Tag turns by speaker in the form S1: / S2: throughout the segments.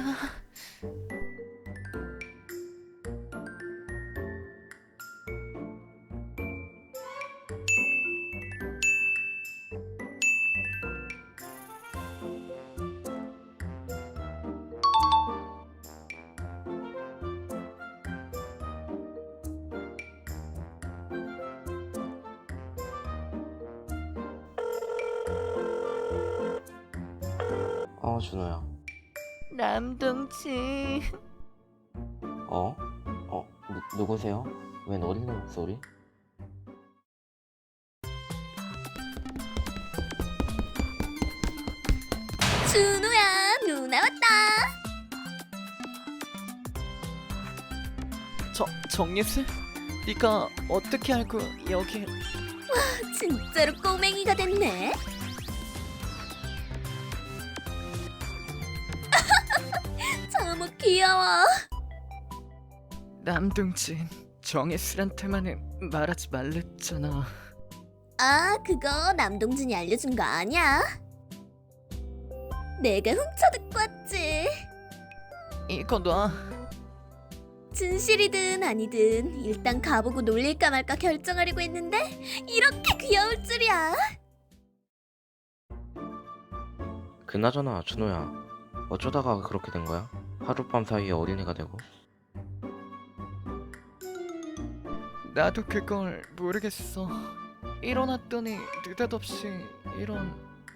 S1: 준호야.
S2: 남동진.
S1: 누구세요? 웬 어린애 목소리?
S3: 준호야, 누나 왔다.
S2: 정예슬? 네가 어떻게 알고 여기?
S3: 진짜로 꼬맹이가 됐네. 너무 귀여워.
S2: 남동진, 정예슬한테만은 말하지 말랬잖아.
S3: 아, 그거 남동진이 알려준 거 아니야? 내가 훔쳐듣고 왔지.
S2: 이거 놔.
S3: 진실이든 아니든 일단 가보고 놀릴까 말까 결정하려고 했는데 이렇게 귀여울 줄이야.
S1: 그나저나 준호야, 어쩌다가 그렇게 된 거야? 하룻밤 사이에 어린애가 되고.
S2: 나도 그걸 모르겠어. 일어났더니 느닷없이 이런.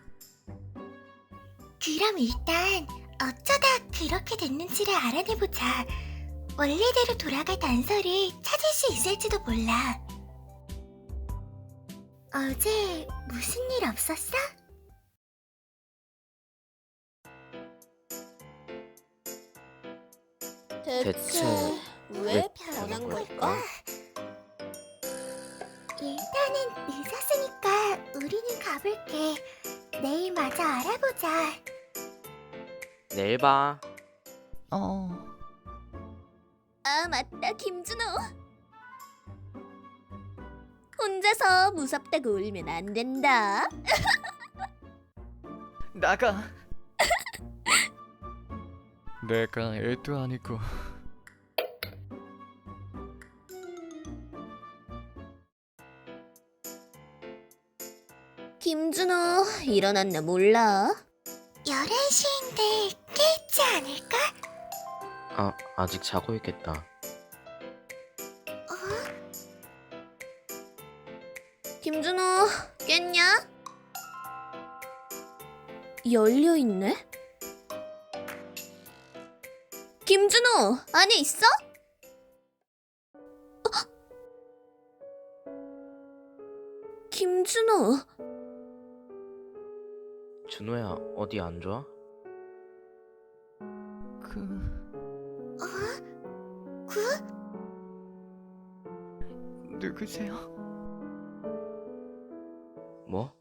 S4: 그럼 일단 어쩌다 그렇게 됐는지를 알아내보자. 원래대로 돌아갈 단서를 찾을 수 있을지도 몰라. 어제 무슨 일 없었어?
S1: 대체
S3: 왜 변한 걸까?
S4: 일단은 늦었으니까 우리는 가볼게. 내일 마저 알아보자.
S1: 내일 봐.
S3: 아, 맞다, 김준호. 혼자서 무섭다고 울면 안 된다.
S2: 나가. 내가 애도 아니고.
S3: 김준호, 일어났나 몰라?
S4: 11시인데 깨있지 않을까?
S1: 아직 자고 있겠다.
S3: 김준호, 깼냐? 열려있네? 김준호, 안에 있어? 김준호.
S1: 준호야, 어디 안 좋아? 누구세요?
S2: 누구세요?
S1: 뭐?